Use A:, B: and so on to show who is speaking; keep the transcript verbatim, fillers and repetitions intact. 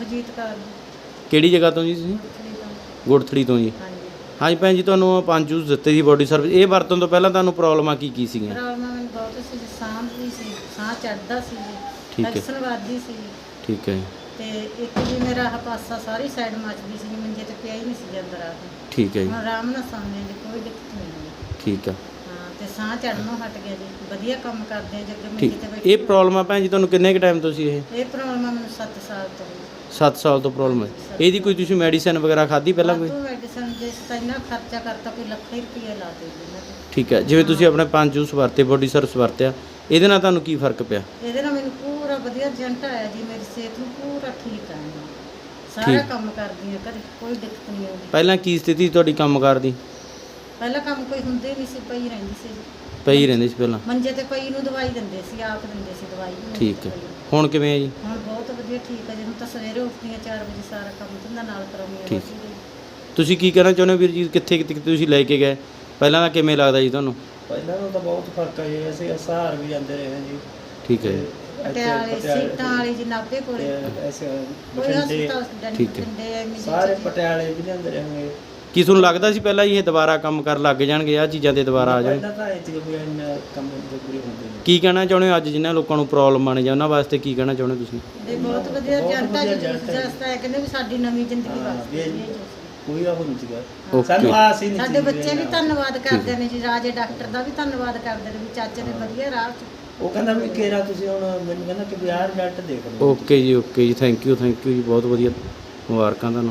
A: ਹਰਜੀਤ ਕੌਰ ਜੀ।
B: ਕਿਹੜੀ ਜਗ੍ਹਾ ਤੋਂ ਜੀ ਤੁਸੀਂ?
A: ਗੁਰਥੜੀ ਤੋਂ।
B: ਗੁੜਥੜੀ ਤੋਂ ਜੀ।
A: ਹਾਂਜੀ।
B: ਹਾਂਜੀ ਭੈਣ ਜੀ, ਤੁਹਾਨੂੰ ਪੰਜ ਜੂਸ ਦਿੱਤੇ ਸੀ ਬੋਡੀ ਸਰਵਿਸ, ਇਹ ਵਰਤਣ ਤੋਂ ਪਹਿਲਾਂ ਤੁਹਾਨੂੰ ਪ੍ਰੋਬਲਮਾਂ ਕੀ ਕੀ ਸੀਗੀਆਂ?
A: ਪ੍ਰੋਬਲਮ ਮੈਨੂੰ ਬਹੁਤ ਸੀ ਜੀ, ਸਾਹ ਵੀ ਸੀ, ਸਾਹ ਚੜ੍ਹਦਾ ਸੀ ਜੀ,
B: ਠੀਕ ਹੈ।
A: ਟੈਨਸ਼ਨ ਵੱਧਦੀ ਸੀ ਜੀ,
B: ਠੀਕ ਹੈ ਜੀ।
A: ਤੇ ਇੱਕ ਜੀ ਮੇਰਾ ਆਹ ਪਾਸਾ ਸਾਰੀ ਸਾਈਡ ਮੱਚਦੀ ਸੀ ਜੀ, ਮੰਜੇ ਤੇ ਪਿਆ ਹੀ ਨਹੀਂ ਸੀ ਜਾਂਦਾ ਰਾਤ ਨੂੰ।
B: ਠੀਕ ਹੈ ਜੀ।
A: ਹੁਣ ਆਰਾਮ ਨਾਲ ਸੌਂਦੇ ਜੀ, ਕੋਈ ਦਿੱਕਤ ਨਹੀਂ ਜੀ।
B: ਠੀਕ ਆ।
A: ਹਾਂ, ਤੇ ਸਾਹ ਚੜ੍ਹਨੋਂ ਹਟ ਗਿਆ ਜੀ, ਵਧੀਆ ਕੰਮ ਕਰਦੇ ਆ ਜੀ, ਅੱਗੇ
B: ਠੀਕ।
A: ਮੰਜੇ ਤੇ ਬੈਠੇ।
B: ਇਹ ਪ੍ਰੋਬਲਮ ਆ ਭੈਣ ਜੀ ਤੁਹਾਨੂੰ ਕਿੰਨੇ ਕੁ ਟਾਈਮ ਤੋਂ ਸੀ ਇਹ?
A: ਇਹ ਪ੍ਰੋਬਲਮ ਆ ਮੈਨੂੰ ਸੱਤ ਸਾਲ ਤੋਂ ਜੀ।
B: ਸੱਤ ਸਾਲ ਤੋਂ ਪ੍ਰੋਬਲਮ ਹੈ। ਇਹਦੀ ਕੋਈ ਤੁਸੀਂ ਮੈਡੀਸਿਨ ਵਗੈਰਾ ਖਾਧੀ ਪਹਿਲਾਂ ਕੋਈ?
A: ਵਾਧੂ ਮੈਡੀਸਨ ਜਿਸ ਤਾਂ ਇੰਨਾ ਖਰਚਾ ਕਰਤਾ, ਕੋਈ ਲੱਖਾਂ ਹੀ ਰੁਪਏ ਲਾ ਦੇ ਜੀ ਇਹਨਾਂ ਤੇ।
B: ਠੀਕ ਹੈ। ਜਿਵੇਂ ਤੁਸੀਂ ਆਪਣੇ ਪੰਜ ਜੂਸ ਵਰਤੇ, ਬੋਡੀ ਸਰਵਿਸ ਵਰਤਿਆ, ਇਹਦੇ ਨਾਲ ਤੁਹਾਨੂੰ ਕੀ ਫਰਕ ਪਿਆ?
A: ਇਹਦੇ ਨਾਲ ਮੈਨੂੰ ਪੂਰਾ ਵਧੀਆ ਰਿਜ਼ਲਟ ਆਇਆ ਜੀ, ਮੇਰੀ ਸਿਹਤ ਨੂੰ ਪੂਰਾ ਠੀਕ ਆ ਜੀ। ਸਾਰਾ
B: ਠੀਕ।
A: ਕੰਮ ਕਰਦੀ ਆ ਘਰੇ, ਕੋਈ ਦਿੱਕਤ ਨਹੀਂ ਆਉਂਦੀ।
B: ਪਹਿਲਾਂ ਕੀ ਸਥਿਤੀ ਤੁਹਾਡੀ ਕੰਮਕਾਰ ਦੀ?
A: ਪਹਿਲਾਂ ਕੰਮ ਕੋਈ ਹੁੰਦੇ ਨਹੀਂ ਸੀ, ਪਈ ਰਹਿੰਦੀ ਸੀ ਜੀ।
B: ਪਈ ਰਹਿੰਦੇ ਸੀ ਪਹਿਲਾਂ?
A: ਮੰਜੇ ਤੇ ਪਈ ਨੂੰ ਦਵਾਈ ਦਿੰਦੇ ਸੀ, ਆਪ ਦਿੰਦੇ ਸੀ ਦਵਾਈ ਵੀ ਮੰਜੇ
B: ਠੀਕ
A: ਤੇ
B: ਹੈ।
A: ਪਈ ਨੂੰ।
B: ਹੁਣ ਕਿਵੇਂ ਹੈ ਜੀ?
A: ਹੁਣ ਬਹੁਤ ਵਧੀਆ ਠੀਕ ਹੈ ਜੀ, ਹੁਣ ਤਾਂ ਸਵੇਰੇ ਉੱਠਦੀ ਹਾਂ ਚਾਰ ਵਜੇ, ਸਾਰਾ ਕੰਮ ਧੰਦਾ ਨਾਲ ਕਰਾਉਂਦੀ ਹਾਂ।
B: ਠੀਕ।
A: ਰੋਟੀ ਦੀ।
B: ਤੁਸੀਂ ਕੀ ਕਹਿਣਾ ਚਾਹੁੰਦੇ ਹੋ ਵੀਰ ਜੀ, ਕਿੱਥੇ ਕਿੱਥੇ ਤੁਸੀਂ ਲੈ ਕੇ ਗਏ, ਪਹਿਲਾਂ ਦਾ ਕਿਵੇਂ ਲੱਗਦਾ ਜੀ ਤੁਹਾਨੂੰ?
C: ਪਹਿਲਾਂ ਨਾਲੋਂ ਤਾਂ ਬਹੁਤ ਫਰਕ ਹੈ ਜੀ, ਅਸੀਂ ਸਹਾਰ ਵੀ ਜਾਂਦੇ ਰਹੇ ਹਾਂ ਜੀ।
B: ਠੀਕ ਹੈ ਜੀ।
A: ਪਟਿਆਲੇ ਸੀਟਾਂ ਵਾਲੀ ਜੀ, ਨਾਭੇ ਕੋਲੇ
C: ਐਸੇ
A: ਕੋਈ
C: ਬਠਿੰਡੇ,
A: ਹਸਪਤਾਲ
B: ਠੀਕ ਹੈ।
A: ਡੰਡੇ ਐਵੇਂ
C: ਸਾਰੇ ਪਟਿਆਲੇ ਵੀ ਜਾਂਦੇ ਰਹੇ।
B: ਕੀ ਤੁਹਾਨੂੰ ਲੱਗਦਾ ਸੀ ਪਹਿਲਾਂ ਹੀ ਇਹ ਦੁਬਾਰਾ ਕੰਮ ਕਰਨ ਲੱਗ ਜਾਣਗੇ, ਆਹ ਚੀਜ਼ਾਂ ਤੇ ਦੁਬਾਰਾ ਆ ਜਾਣ?
C: ਪਹਿਲਾਂ ਤਾਂ ਇਹ ਸੀ ਕੋਈ ਇੰਨਾ ਕੰਮ ਦੇ ਪੂਰੇ ਹੁੰਦੇ ਨਹੀਂ।
B: ਕੀ ਕਹਿਣਾ ਚਾਹੁੰਦੇ ਹੋ ਅੱਜ ਜਿਨ੍ਹਾਂ ਲੋਕਾਂ ਨੂੰ ਪ੍ਰੋਬਲਮ ਆਣੇ ਜਾਂ ਉਹਨਾਂ ਵਾਸਤੇ ਕੀ ਕਹਿਣਾ ਚਾਹੁੰਦੇ ਹੋ ਤੁਸੀਂ?
A: ਇਹ ਬਹੁਤ ਵਧੀਆ
C: ਬਹੁਤ
A: ਰਿਜ਼ਲਟ ਆ
C: ਵਧੀਆ
A: ਜੀ,
C: result ਹੈ।
A: ਜਸਤਾ ਹੈ ਕਹਿੰਦੇ ਵੀ ਸਾਡੀ ਨਵੀਂ ਜ਼ਿੰਦਗੀ
C: ਹਾਂ,
A: ਵਾਸਤੇ
C: ਵੀ
A: ਜੀ ਇਹ ਜੋ
C: ਕੋਈ ਉਹ ਨਹੀਂ ਸੀਗਾ।
B: ਓਕੇ।
C: ਸਾਨੂੰ ਆਸ ਹੀ ਨਹੀਂ
A: ਸਾਡੇ
C: ਸੀ
A: ਬੱਚੇ ਵੀ
C: ਇਹਨਾਂ।
A: ਧੰਨਵਾਦ ਕਰਦੇ ਨੇ ਜੀ, ਰਾਜੇ ਡਾਕਟਰ ਦਾ ਵੀ ਧੰਨਵਾਦ ਕਰਦੇ ਨੇ ਵੀ ਚਾਚੇ ਨੇ ਵਧੀਆ ਰਾਹ 'ਚ।
C: ਉਹ ਕਹਿੰਦਾ ਵੀ ਕੇਰਾ ਤੁਸੀਂ ਹੁਣ ਮੈਨੂੰ ਕਹਿੰਦਾ ਕਿ ਵੀ ਆਹ ਰਿਜ਼ਲਟ ਦੇਖ ਲਓ।
B: ਓਕੇ ਜੀ, ਓਕੇ ਜੀ, ਥੈਂਕ ਯੂ ਥੈਂਕ ਯੂ ਜੀ, ਬਹੁਤ ਵਧੀਆ, ਮੁਬਾਰਕਾਂ ਤੁਹਾਨੂੰ।